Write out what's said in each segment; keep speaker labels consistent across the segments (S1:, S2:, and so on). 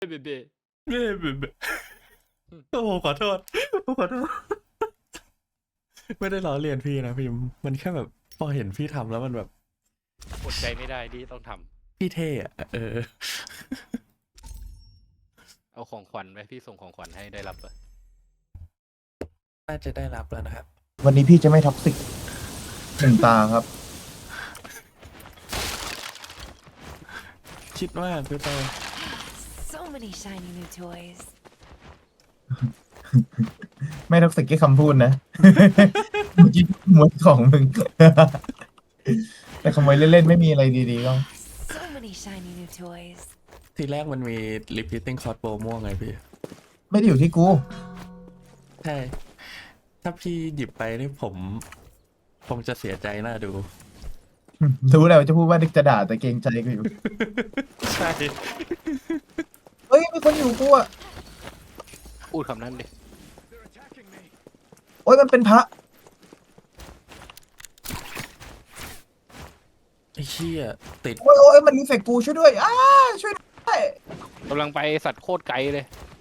S1: เบเบ้
S2: เบ้เบ้โอ้ขอโทษขอโทษไม่ได้ล้อเลียนพี่นะพิมพ์มันแค่แบบพอเห็นพี่ทำแล้วมันแบบ
S1: อดใจไม่ได้ที่ต้องท
S2: พี่เท่อะ
S1: ำเอาของขวัญไหมพี่ส่งของขวัญให้ได้รับเลย
S2: น่าจะได้รับแล้วนะครับ
S3: วันนี้พี่จะไม่ท็อกซิกหนึ่งตาครับ
S2: คิดว่าพี่เต้
S4: So many shiny new toys.
S3: ไม่ท็อกซิกแค่คำพูดนะ เมื่อกี้ขโมยของมึง แต่ขโมยเล่นๆไม่มีอะไรดีๆก็
S4: So many shiny new toys.
S2: ทีแรกมันมี repeating crossbow ม่วงไงพี่
S3: ไม่ได้อยู่ที่กู
S2: ใช่ ถ้าพี่หยิบไปนี่ผมคงจะเสียใจน่าดู
S3: รู้แล้วจะพูดว่านึกจะด่าแต่เกรงใจกูอยู่
S2: ใช่
S3: เฮ้ยมีคนอยู่กูอ่ะ
S1: พูดคำนั้นดิ
S3: โอ้ยมันเป็นพระ
S2: ไอ้เชี่ยติด
S3: โอ้ยมันรีเฟกกูช่วยด้วยช่วยด้วย
S1: กำลังไปสัตว์โคตรไกลเลย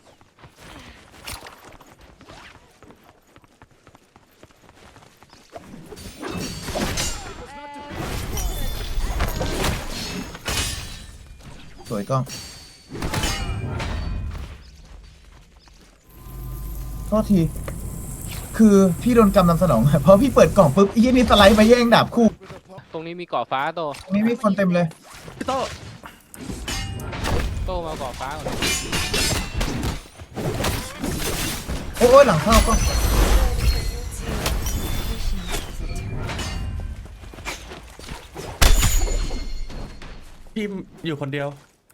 S3: สวยกล้องโทษที คือพี่โดนกำนำสนองเพราะพี่เปิดกล่องปุ๊บไอ้ยี่นี่สไลด์มาแย่งดาบคู่
S1: ตรงนี้มีเกาะฟ้าโต
S3: ตรงนี้มีคนเต็มเลย
S2: พี่โต้
S1: โตมาเกาะฟ้าก่อน
S3: โอ้ยหลังเข้าก็
S2: พี่อยู่คนเดียว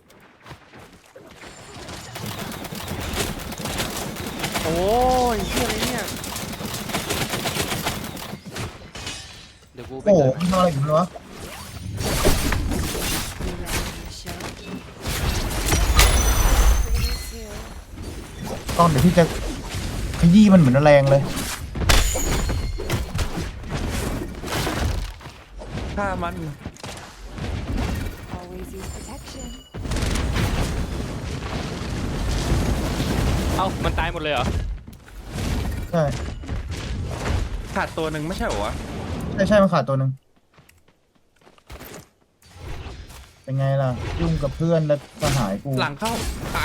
S1: โอ้ยเชื่ออะไรเนี่ยเดี๋ยวกูไป
S3: โอ้โห
S1: เกิด
S3: มันทำอะไรอยู่ไม่รู้วะ
S4: You ready for the show? Me too.
S3: กล้องเดี๋ยวพี่จะขยี้มันเหมือนแรงเลย
S2: ถ้ามัน
S4: Always use protection.
S1: เอ้ามันตายหมดเลยเหรอ
S3: ใช่
S2: ขาดตัวหนึ่งไม่ใช่เหรอวะ
S3: ใช่มันขาดตัวหนึ่งเป็นไงล่ะ ยุ่งกับเพื่อนและสหายกู
S2: หลังเข้าแอะ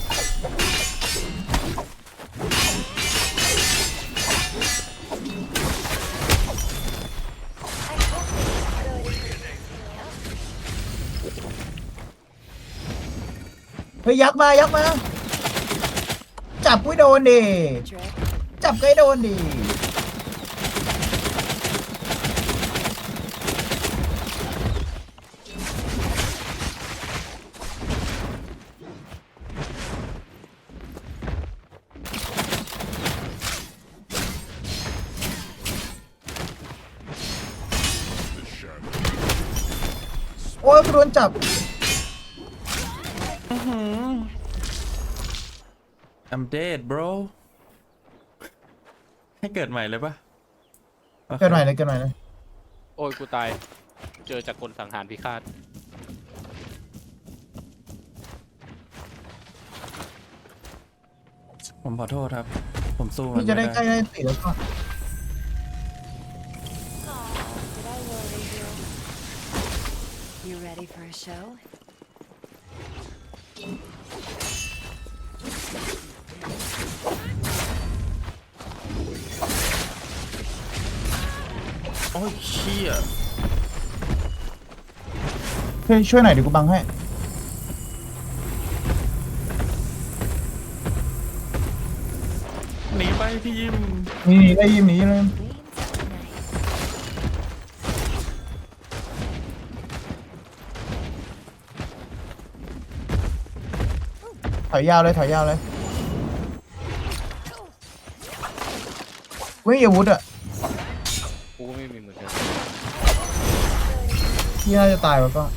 S3: เฮ้ยยักษ์มา จับกูให้โดนดิ
S4: Trick.
S3: จับกูให้โดนดิโอ้ยกูโดนจับ
S2: I'm dead bro ให้เกิดใหม่เลยปะโอค
S3: เกินหน่อยเลย
S1: โอ้ยกูตายเจอจากคนสังหารพิฆาต
S2: ผมขอโทษครับ ผมสู้มัน
S3: พี่จะ
S2: ไม่
S3: ได้ใกล้
S2: ได้
S3: ได้ตีแล้วก็
S4: Aw, did I worry you? You ready for a show?
S2: โอ้ยเชี่ย
S3: ช่วยหน่อยเดี๋ยวกูบังให้
S2: หนีไปพี่ยิม
S3: นี่ได้ยินหนีเลย
S4: Clean something nice.
S3: ถอยยาวเลยไม่มีอาวุธอ่ะ
S1: กูก็ไม่มีเหมือนกัน
S3: พี่น่าจะตายวะก็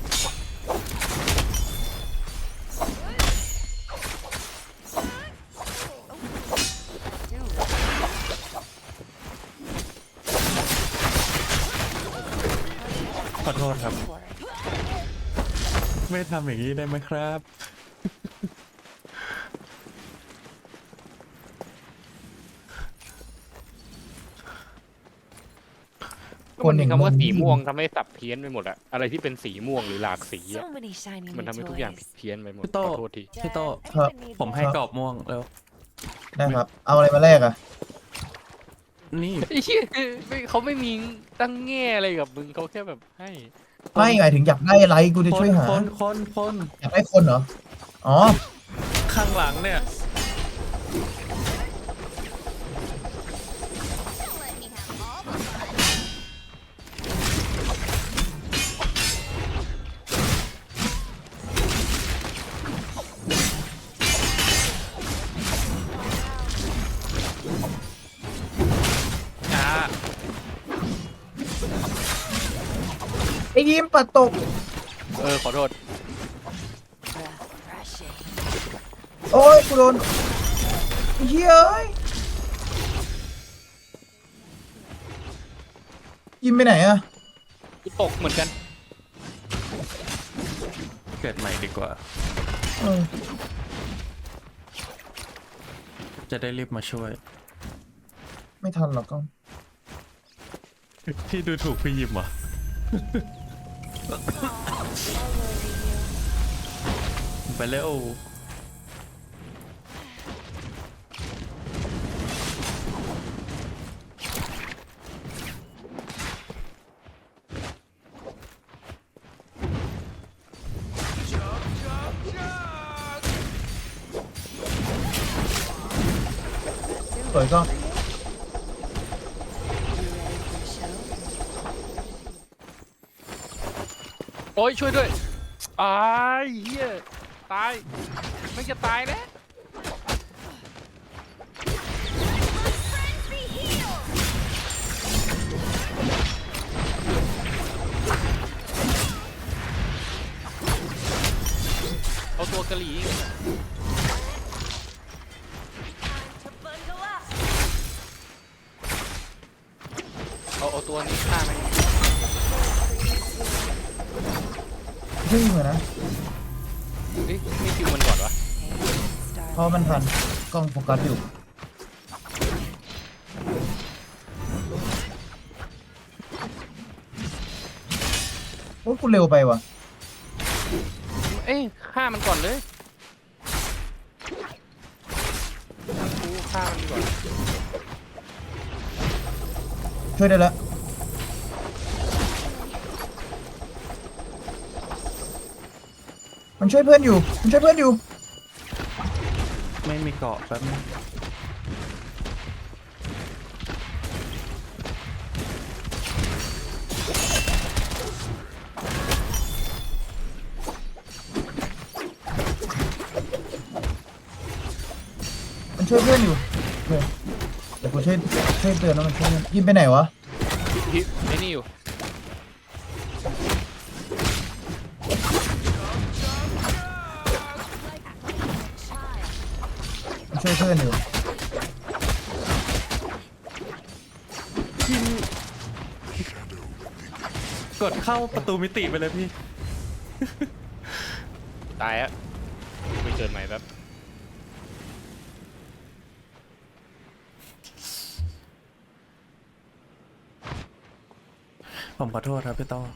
S2: ขอโทษครับ
S4: For it.
S2: ไม่ทำอย่างนี้ได้ไหมครับ
S3: คนอย่าง
S1: คำว่า
S3: มึง
S1: สีม่วงทำให้สับเพี้ยนไปหมดอะอะไรที่เป็นสีม่วงหรือหลากสีอะ
S4: So many shiny
S1: มัน
S4: new
S1: ทำให้ทุกอย่าง
S4: toys.
S1: เพี้ยนไปหมด
S2: พี่โต้
S1: ขอโทษที
S2: พี่โต้
S4: Dad, I
S3: ครับ
S4: even need
S2: ผมให้
S4: more.
S2: กรอบม่วงแล้ว
S3: ได้ครับ เอาอะไรมาแลกอ่ะ
S2: นี่
S1: ไอ้เหี้ยเขาไม่มีตั้งแง่อะไรกับมึงเขาแค่แบบให้
S3: ไม่หมายถึงอยากได้อะไรกูจะ
S2: คน
S3: ช่วยหา
S2: คน
S3: อยากได้คนเหรอ อ๋อ
S2: ข้างหลังเนี่ย
S1: อ่า
S3: ไอ้ยิ้มปัดตก
S1: ขอโทษ
S4: Refreshing.
S3: โอ้ยกูโดนไอ้เฮ้ยเอ้ยยิ้มไปไหนอ่ะ
S1: กูตกเหมือนกัน
S2: เกิดใหม่ดีกว่า
S3: เออ
S2: จะได้รีบมาช่วย
S3: ไม่ทันหรอกก็
S2: พี่ดูถูกพี่ยิมเหรอ ไปเร็ว
S3: สวยก็
S4: You ready for the show?
S1: โอ้ยช่วยด้วยอายเฮียตายไม่จะตายแล้วเอาตัวกะหรี่เอาตัวนี้ฆ่าไหม
S3: เฮ้ยเหมือนนะ
S1: เอ๊ะไม่คิวมันก่อนวะ
S4: Hey,
S3: เพราะมันทันกล้องโฟกัสอยู่ โอ้ยกูเร็วไปว่ะ
S1: เอ้ยฆ่ามันก่อนเลยกูฆ่ามันก่อน
S3: ช่วยได้แล้ว มันช่วยเพื่อนอยู่ มันช่วยเพื่อนอยู่
S2: ไม่มีเกาะแป๊บนึง
S3: มันช่วยเพื่อนอยู่โอเคเดี๋ยวกูช่วยเตือนว่ามันช่วยเพื่อนยิงไปไหนวะ
S1: ฮิไอ้นี่อยู่
S3: มันช่วยเพื่อนอยู่
S2: ยิมกดเข้าประตูมิติไปเลยพี่
S1: ตายอะไปเกิดใหม่แบบ
S2: ผมขอโทษครับพี่ต้อ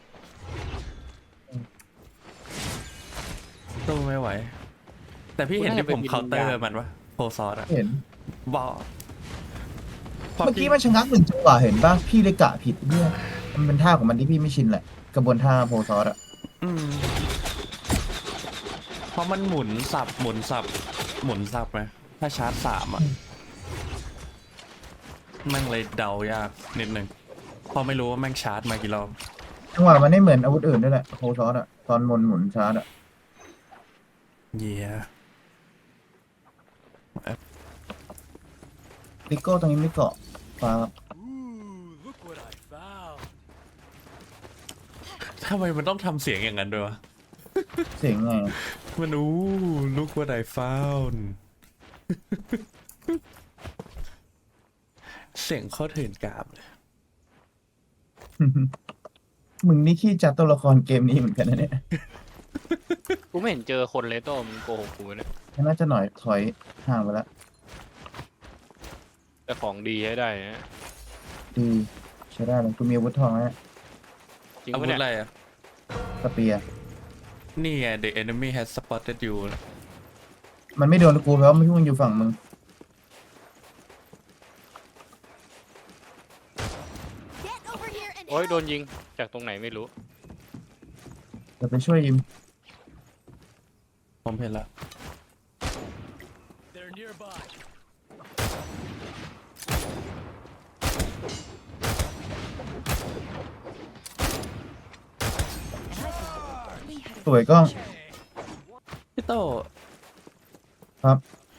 S2: ตู้ไม่ไหว แต่พี่เห็นที่ผมเคาน์เตอร์มันวะโพซอสอะ
S3: เห็น
S2: บอก
S3: เมื่อกี้มันชะงักหนึ่งจังหวะเห็นป่ะ พี่เลยกะผิดเนี่ยมันเป็นท่าของมันที่พี่ไม่ชินแหละ กระบวนท่าโพซอสอะ
S2: อืมเพราะมันหมุนสับหมุนสับหมุนสับไหมถ้าชาร์จสามอะแม่งเลยเดายากนิดนึงเพอไม่รู้ว่าแม่งชาร์จมากี่รอบ
S3: จังหวะมันไม่เหมือนอาวุธอื่นด้วยแหละโพซอสอะตอนหมุนชาร์จอะ
S2: เยีย
S3: ลิโก้ตรงนี้ไม่เกาะฟ้าครับ
S2: ทำไมมันต้องทำเสียงอย่างนั้นด้วยวะ
S3: เสียงไง
S2: มันlook what I found เสียงโคตรเถื่อนกราบเลย
S3: มึงนี่ขี้จัดตัวละครเกมนี้เหมือนกันนะเนี่ย
S1: กูไม่เห็นเจอคนเลยโต้มึงโกหกกูเนี่ย
S3: น่าจะหน่อยถอยห่างไปแล้ว
S1: แต่ของดีให้ได้นะ
S3: ดีใช้ได้เลยกูมีอาวุธทองแล้ว
S1: จริง
S2: อา
S1: ปะ
S2: วุธ
S1: เนี่ย
S2: อะไรอ่ะ
S3: สเปียร์
S2: นี่ไง the enemy has spotted you
S3: มันไม่โดนกูเพราะว่ามึงอยู่ฝั่งมึง
S1: โอ้ยโดนยิงจากตรงไหนไม่รู้
S3: เดี๋ยวไปช่วยยิม
S2: ผมเห็นละ
S3: สวยกล้อง
S2: พี่โต
S3: ครับ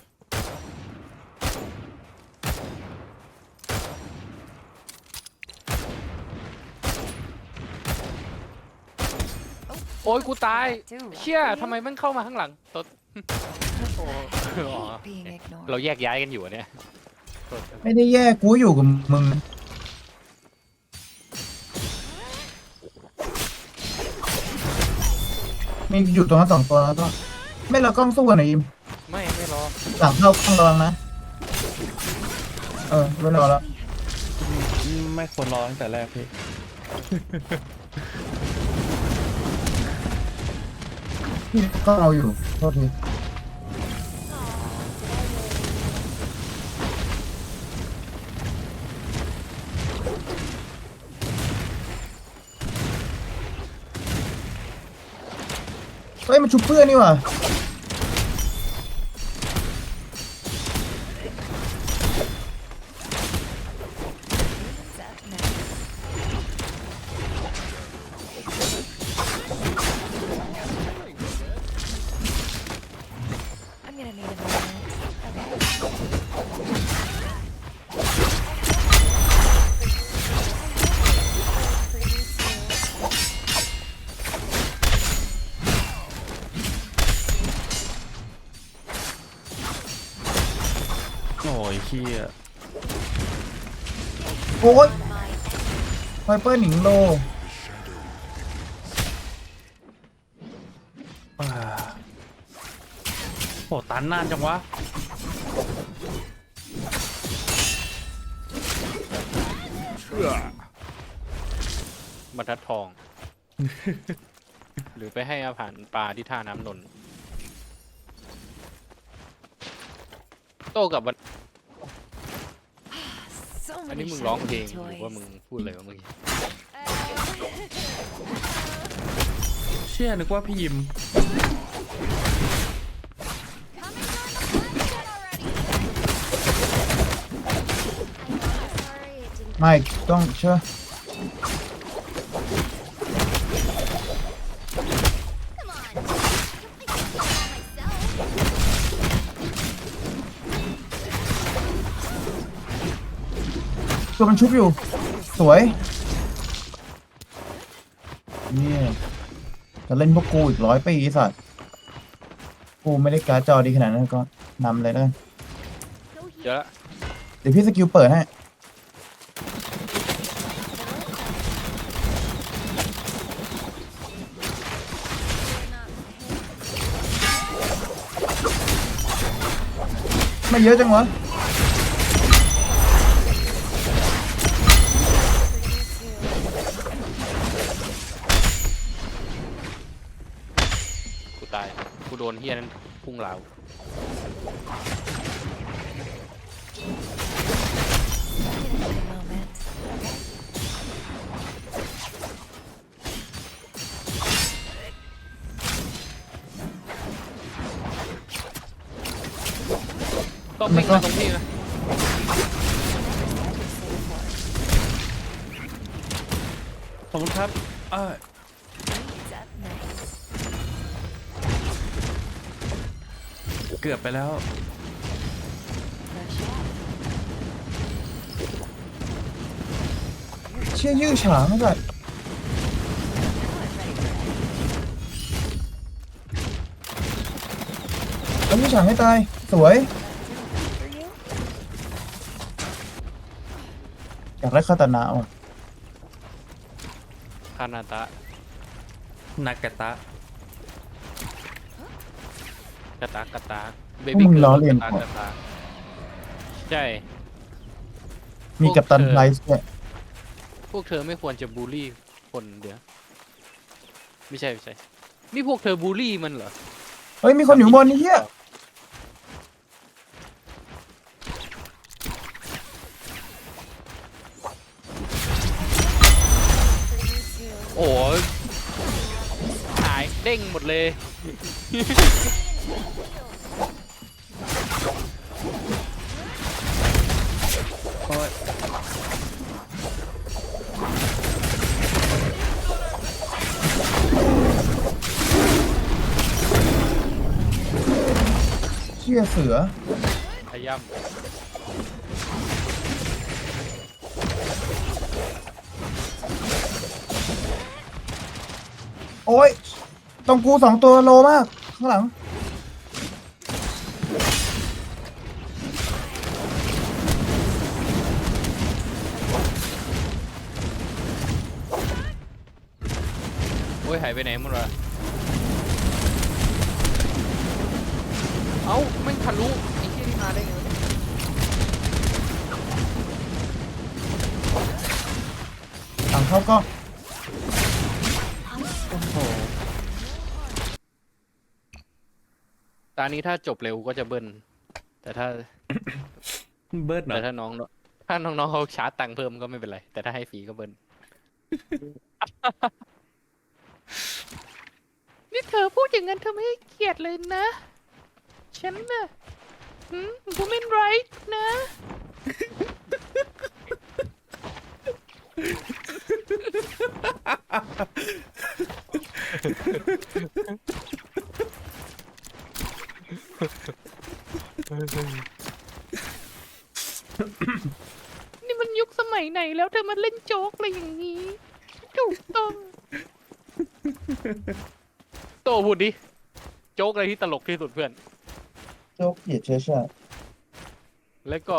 S1: โอ้ยกูตาย
S4: Too rough
S1: เชี่ย
S4: for you?
S1: ทำไมมันเข้ามาข้างหลังตดโอ้อ๋อ
S4: Being ignored.
S1: เราแยกย้ายกันอยู่อะเนี่ยโทษ
S3: ไม่ได้แยกกูอยู่กับมึงมีอยู่ตรงนั้น2 ตัวแล้วก็ ไม่เรากล้องสู้กันหน่อยยิม
S1: ไม่รอ
S3: หลังเข้ากล้องระวังนะ ไม่รอแล้ว
S2: ไม่ควรรอตั้งแต่แรกพี่
S3: พี่กล้องเราอยู่โทษทีเฮ้ยมันชุบเพื่อนนี่หว่า
S4: Who's up next? I'm gonna need a moment. Okay. For you too.
S2: โอ้ยขี้อ่ะ
S3: โอ้ย
S4: My
S3: ไวเปอร์หนิงโล
S2: อ่าโหตันนานจังวะ
S1: บรรทัดทอง หรือไปให้อาหารปลาที่ท่าน้ำนนท์โตกับบรร
S4: so
S1: อัน
S4: many
S1: นี้มึงร้องเพลง
S4: shiny
S1: หรือว่า
S4: toys.
S1: มึงพูดอะไรวะเมื่อกี้
S2: เชื่อนึกว่าพี่ยิม
S3: ไม่ต้องเชื่อตัวมันชุบอยู่ สวยเนี่ยจะเล่นพวกกูอีก100 ปีไอ้สัตว์กูไม่ได้การ์ดจอดีขนาดนั้นก็นำเลยแล้วกัน
S1: เดี๋ยวละ
S3: เดี๋ยวพี่สกิลเปิดให้ ไม่เยอะจังวะ
S1: กูตายกูโดนเฮียนั้นพุ่งเหลา
S4: Moment.
S1: ต้องวิ่งมาตรงนี้นะ
S2: ขอบคุณครับอ่า
S4: Who's up next?
S2: เกือบไปแล้ว
S4: Rush out.
S3: เชี่ยยื้อฉางไอ้สัตว์เอายื้อฉางให้ตาย สวย
S4: For you?
S3: อยากได้คาตานะว่ะ
S1: คานาตะ
S2: นากาตะ
S1: กะตากะตาเบ
S3: พวก
S1: บี้
S3: มึง
S1: เกิ
S3: ล้อ
S1: ร์ล
S3: เลียน
S1: กะตา
S3: ก่อน
S1: กะตาใช่
S3: มีกัปตัน
S1: พวกเธอ
S3: ไพรส์ด้วย
S1: พวกเธอไม่ควรจะบูลลี่คนเดี๋ยวไม่ใช่นี่พวกเธอบูลลี่มันเหรอ
S3: เฮ้ยมีคนอยู่ข้างบนนี่เฮีย
S1: โอ้ยหายเด้งหมดเลย
S2: โอ้ย
S3: เชี่ยเสือ
S1: ขย้
S3: โอ้ยตรงกู2 ตัวโลมาก ข้างหลัง
S1: ำโอ้ยหายไปไหนหมดวะเอ้าไม่งทะลุไอ้ที่นี่มาได้ไงวะเนี่ย
S3: หลังเข้าก็
S2: โอ้โห
S1: ตอนนี้ถ้าจบเร็วก็จะเบิ้ลแต่ถ้า
S2: เบิร์ดเหรอ
S1: แต่ถ้าน้องๆเขาชาร์จตังค์เพิ่มก็ไม่เป็นไร แต่ถ้าให้ฟรีก็เบิ้ล นี่เธอพูดอย่างนั้นเธอไม่ให้เกียรติเลยนะ ฉันน่ะwomen right นะ นี่มันยุคสมัยไหนแล้วเธอมาเล่นโจ๊กอะไรอย่างนี้ ถูกต้อง โตพูดดิ โจ๊กอะไรที่ตลกที่สุดเพื่อน
S3: โจ๊กเกลียดเชื้อชาติ
S1: แล้วก็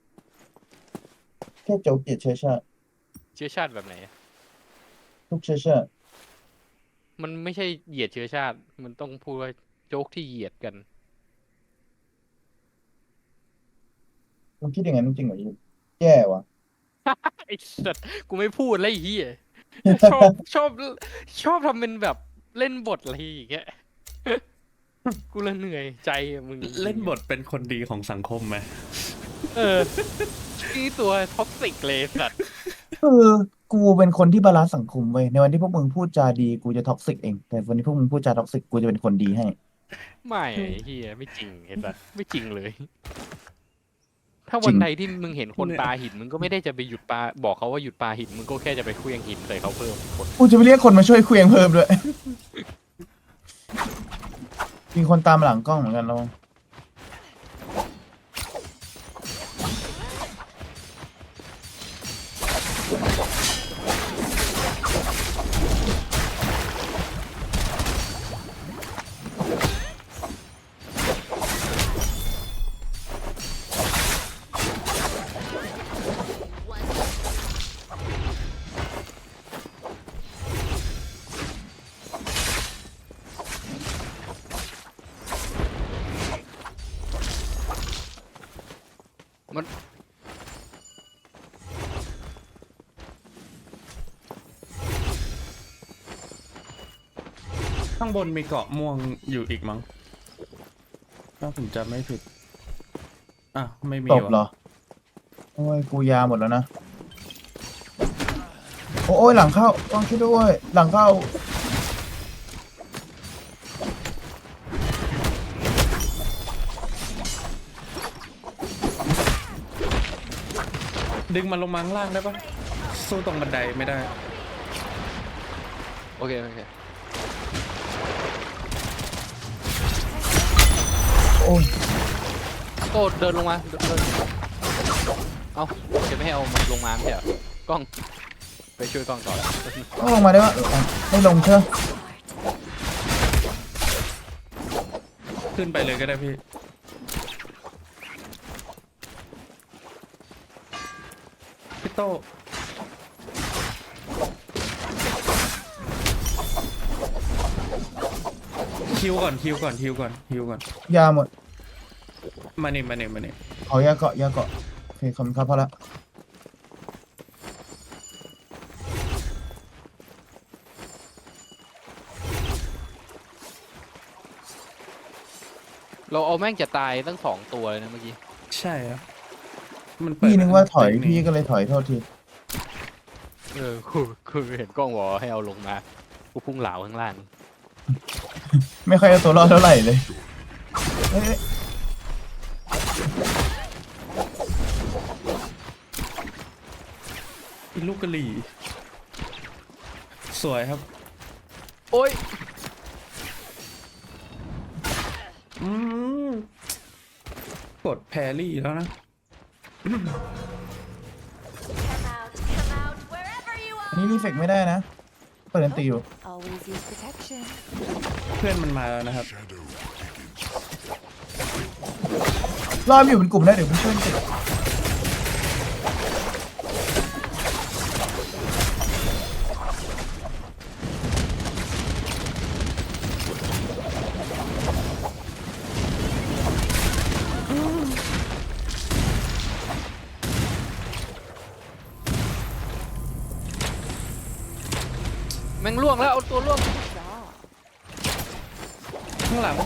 S3: แค่โจ๊กเกลียดเชื้อชาติ
S1: เชื้อชาติแบบไหนอะ
S3: ทุกเชื้อชาติ
S1: มันไม่ใช่เหยียดเชื้อชาติ มันต้องพูดว่าโจ๊กที่เหยียดกัน
S3: มึงคิดอย่างนั้นจริงเหรอยูแย่ว่ะ
S1: ไอ้สัตว์กูไม่พูดแล้วไอ้เหี้ย ชอบทำเป็นแบบเล่นบทอะไรอย่างเงี้ย กูละเหนื่อยใจอะมึง
S2: เล่นบทเป็นคนดีของสังคมไหม
S1: เออนี่ตัวท็อกซิกเลยสัตว์
S3: คือกูเป็นคนที่บาลานซ์สังคมเว้ยในวันที่พวกมึงพูดจาดีกูจะท็อกซิกเองแต่วันที่พวกมึงพูดจาท็อกซิกกูจะเป็นคนดีให้
S1: ไม่ไอ้เหี้ยไม่จริงเห็นปะไม่จริงเลย ถ้าวันใดที่มึงเห็นคนปาหินมึงก็ไม่ได้จะไปหยุดปาบอกเขาว่าหยุดปาหินมึงก็แค่จะไปเคลื่องหินใส่เขาเพิ่มคน
S3: กูจะไปเรียกคนมาช่วยเคลียงเพิ่มด้วย มีคนตามหลังกล้องเหมือนกันเรา
S1: มัน
S2: ข้างบนมีเกาะม่วงอยู่อีกมั้งถ้าผมจำไม่ผิด อ่ะ ไม่มี
S3: ตบเหร
S2: วะ
S3: อ โอ้ย กูยาหมดแล้วนะ โอ้ย หลังเข้าต้องช่วยด้วย หลังเข้า
S2: ดึงมันลงมาข้างล่างได้ปะสู้ตรงบันไดไม่ได้
S1: โอเค
S3: โอ้ย
S1: โต้เดินลงมาเดินเอาจะไม่ให้เอามันลงมาไม่ใช่เหรอกล้อง ไปช่วยกล้องต่อ
S3: ต้องลงมาได้ปะไม่ลงเชื่อ
S2: ขึ้นไปเลยก็ได้พี่ พี่โตคิวก่อน
S3: ยาหมด
S2: มานี่
S3: เอายาเกาะ โอเคขอบคุณครับพอละ
S1: เราเอาแม่งจะตายตั้ง2 ตัวเลยนะเมื่อกี้
S2: ใช่ครับมันเปิด
S3: พี่นึกว่าถอย
S2: เทคนิค
S3: พี่ก็เลยถอยโทษที
S1: คือเห็นกล้องบอกว่าให้เอาลงมากูพุ่งเหลาข้างล่าง
S3: ไม่ค่อยเอาตัวรอดเท่าไหร่เลยเอ้ย
S2: เป็นลูกกะหรี่ สวยครับ
S1: โอ้ย
S2: อืมกดแพรรี่แล้วนะ
S3: อันนี้รีเฟกไม่ได้นะเปิดอันตีอยู่
S4: Always use protection.
S2: เพื่อนมันมาแล้วนะครับ
S3: รอบอยู่เป็นกลุ่มได้เดี๋ยวผมช่วยติด
S1: แม่งล่วงแล้วเอาตัวล่วง
S4: Jaw.
S2: ข้างหลัง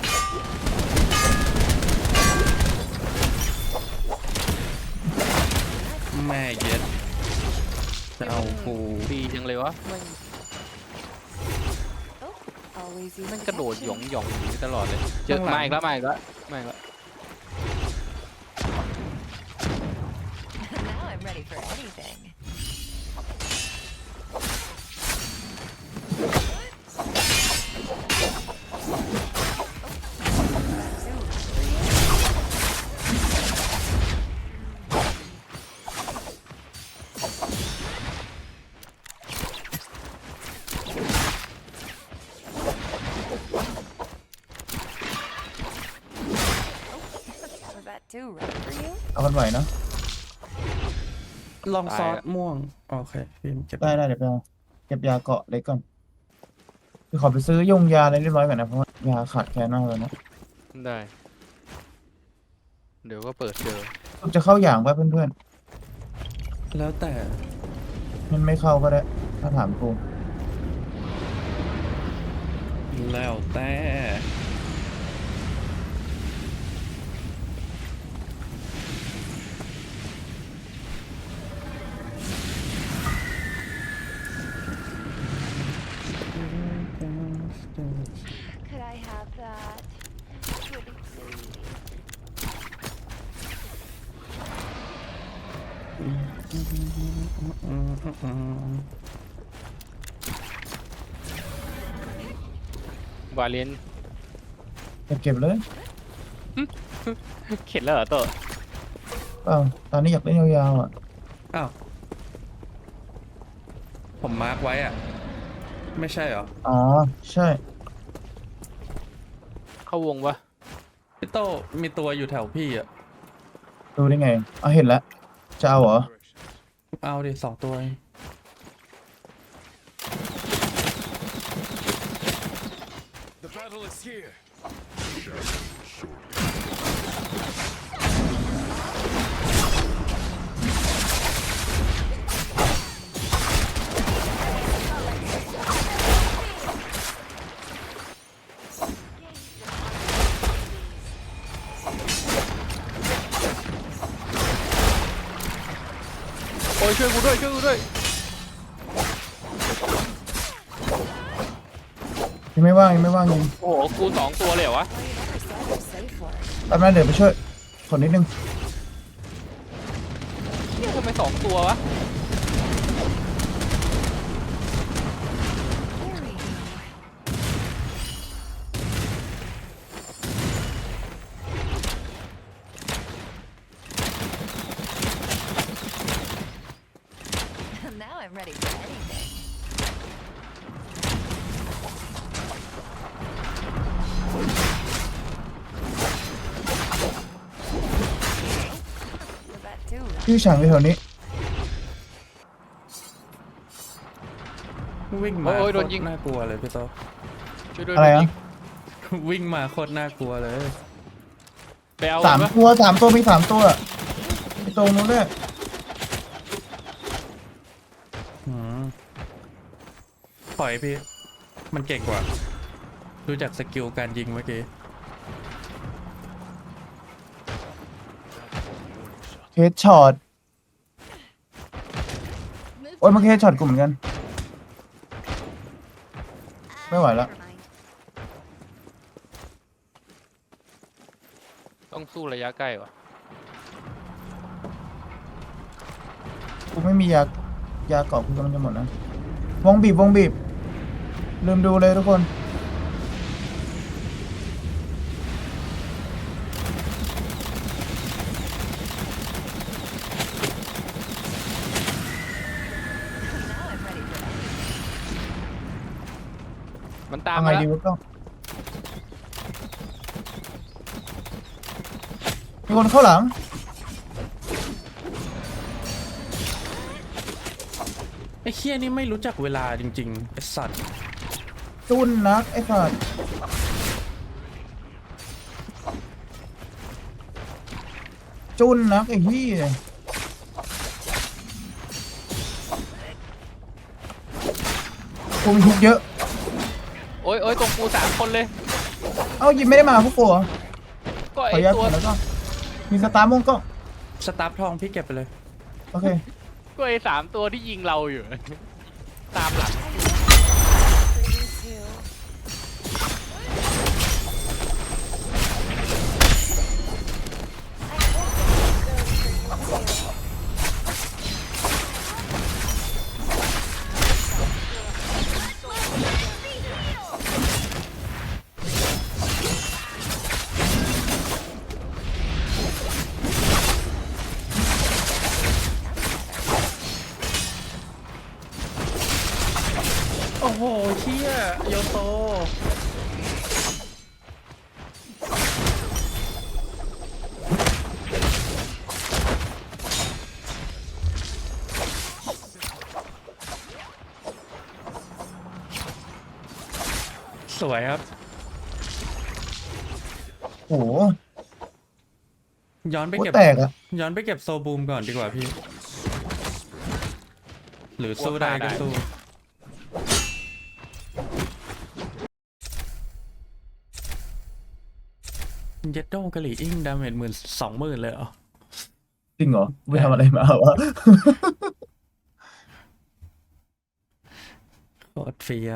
S2: แม่เย็ด จะเอากู
S1: ดีจังเลยวะ
S4: When... Oh, always use
S1: แม่งกระโดดหยอง
S4: protection.
S1: หยองอย่างนี้ตลอดเลยเจอมาอีกแล้วมาอีกแล้วมาอีกแล้ว
S4: Now I'm ready for anything. Was that too rough for you?
S3: เอากันไหวเนาะ
S2: ลองซอสม่วง โอเคพี่เก็บ
S3: ได้เดี๋ยวไปเอาเก็บยาเกาะเล็กก่อนคือขอไปซื้อยงยาอะไรเรียบร้อยก่อนนะเพราะว่ายาขาดแคลนมากเลยนะ
S1: ได้ เดี๋ยวก็เปิดเจอ
S3: จะเข้าอย่างป่ะเพื่อน
S2: แล้วแต่
S3: ๆมันไม่เข้าก็ได้ ถ้าถามกู
S2: แล้วแต่
S4: Could I have that? Pretty please.
S1: วาเลน
S3: เก็บเลย
S1: เข็ดแล้วเหรอโต
S3: เปล่าตอนนี้อยากเล่นยาวๆอ่ะ
S2: อ้าว ผมมาร์กไว้อ่ะ ไม่ใช่เหรอ
S3: อ๋อ ใช่
S1: เข้าวงปะ
S2: พี่โตมีตัวอยู่แถวพี่อ่ะ
S3: ดูได้ไงอ๋อเห็นแล้ว จะเอาเหรอ
S2: เอาดิ2 ตัวเอง
S5: The battle is here.
S1: โอ้ยช่วยกูด้วยช่วยกูด้วย
S3: ยังไม่ว่างยังไม่ว่างยิง
S1: โอ้โหกู2 ตัวเลยเหรอวะ
S4: Well, you never said you're safe for it.
S3: แป๊บนึงเดี๋ยวไปช่วยขนนิดนึง
S1: เฮียทำไม2 ตัววะ
S4: Here we go. Now I'm ready for anything. Was that too rough?
S3: พี่ฉางไปแถวนี้
S2: วิ่งมา
S1: โอ้ย
S2: โค
S1: โด
S2: ต
S1: นยิง
S2: รน่ากลัวเลยพี่โต
S1: ช่วยด้วย
S3: อะไร
S1: โดน
S3: อ่ะ
S1: ยิง
S2: วิ่งมาโคตรน่ากลัวเลย
S1: ไปเอา
S3: สาม
S1: ปะ
S3: ตัวมี3 ตัวไอ้ตรงนู้นเนี่ย
S2: อืมปล่อยพี่ มันเก่งกว่า ดูจากสกิลการยิงเมื่อกี้
S3: เฮดช็อตโอ้ยมันเฮดช็อตกูเหมือนกัน ไม่ไหวแล้ว
S1: ต้องสู้ระยะใกล้วะ
S3: กูไม่มียาเกาะกูกำลังจะหมดนะวงบีบลืมดูเลยทุกคน
S1: มันตาม
S3: ทำไง
S1: มาแล้ว
S3: ดีวะต้องมีคนเข้าหลัง
S2: ไอ้เคี้ยนี่ไม่รู้จักเวลาจริงๆไอ้สัตว์
S3: จุนนักไอ้สัตว์จุนนักไอ้พี่กูมีทุกเยอะ
S1: โอ้ยตรงกู3 คนเลย
S3: เอ้ายิงไม่ได้มาพวกกูเหรอ
S1: ก็
S3: ขอ
S1: ไอ
S3: อนุญาต
S1: ตัว
S3: ก่อนแล้วก็มีสตาร์มงก็
S2: สตาร์ฟทองพี่เก็บไปเลย
S3: โอเค
S1: ก็ไอ3 ตัวที่ยิงเราอยู่ ตามหลัง
S2: โอ้โหเชี่ยโยโตสวยครับ
S3: โอ้โห
S2: ย้อนไป
S3: หัว
S2: เก็บ
S3: แตกอะ
S2: ย้อนไปเก็บโซบูมก่อนดีกว่าพี่ หรือสู้ได้ก็สู้ เย็ดโดกะหรี่อิงดาเมจ20,000เลยเหรอ
S3: จริงเหรอไม่ทำอะไรมาวะ
S2: โคตรเฟี้ยว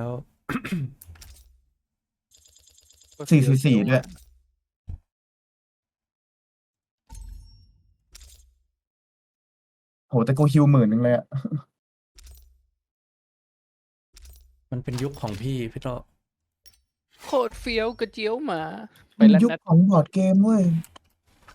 S3: 444ด้วยโหแต่กูฮิว10,000เลยอะ
S2: มันเป็นยุคของพี่พี่โต
S1: โคตรเฟี้ยวกระเจียวหมา ไป
S3: มัน
S1: แล้ว
S3: ยุค
S1: นะ
S3: ของบอร์ดเกมเว้ย